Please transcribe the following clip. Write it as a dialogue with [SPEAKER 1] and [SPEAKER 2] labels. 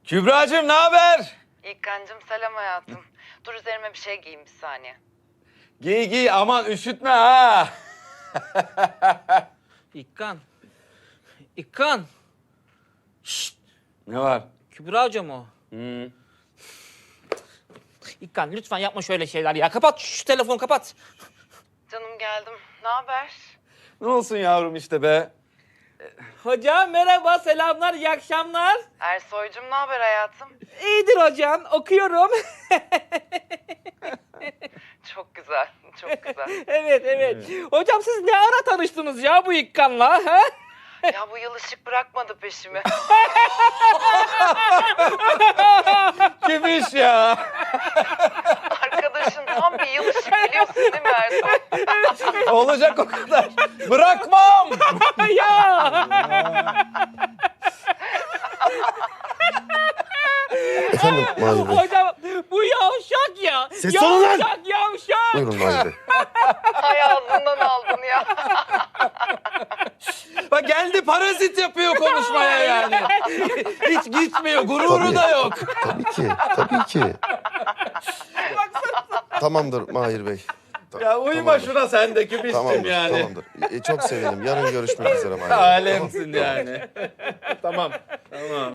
[SPEAKER 1] Kübracığım ne haber?
[SPEAKER 2] İlkancığım selam hayatım. Dur üzerime bir şey giyeyim bir saniye.
[SPEAKER 1] Giy giy aman üşütme ha.
[SPEAKER 3] İkkan. İkkan. Şşt.
[SPEAKER 1] Ne var?
[SPEAKER 3] Kübra Hoca mı o?
[SPEAKER 1] Hı.
[SPEAKER 3] İkkan lütfen yapma şöyle şeyler ya. Kapat şu telefonu kapat.
[SPEAKER 2] Canım geldim. Ne haber?
[SPEAKER 1] Ne olsun yavrum işte be.
[SPEAKER 3] Hocam merhaba, selamlar, iyi akşamlar.
[SPEAKER 2] Ersoy'cum ne haber hayatım?
[SPEAKER 3] İyidir hocam, okuyorum.
[SPEAKER 2] Çok güzel, çok güzel.
[SPEAKER 3] evet. Hocam siz ne ara tanıştınız ya bu İkkan'la? Ha?
[SPEAKER 2] Ya bu yıl ışık bırakmadı peşimi.
[SPEAKER 1] Kim iş ya?
[SPEAKER 2] Arkadaşın tam bir yıl ışık biliyorsun değil mi Ersoy?
[SPEAKER 1] Olacak o kadar. Bırakmam.
[SPEAKER 3] Ya.
[SPEAKER 4] Efendim Mahir Bey.
[SPEAKER 3] Hocam bu yavşak ya.
[SPEAKER 4] Ses alın lan!
[SPEAKER 3] Yavşak.
[SPEAKER 4] Buyurun Mahir Bey.
[SPEAKER 2] Hay ağzından aldın ya.
[SPEAKER 1] Bak geldi parazit yapıyor konuşmaya yani. Hiç gitmiyor. Gururu
[SPEAKER 4] Tabii.
[SPEAKER 1] da yok.
[SPEAKER 4] Tabii ki. Tamamdır Mahir Bey.
[SPEAKER 1] Ya uyma
[SPEAKER 4] Tamamdır.
[SPEAKER 1] şuna sen de kübiştim
[SPEAKER 4] Tamamdır,
[SPEAKER 1] yani.
[SPEAKER 4] tamamdır. Çok sevindim. Yarın görüşmek üzere Mahir Bey.
[SPEAKER 1] Alemsin yani. Tamam.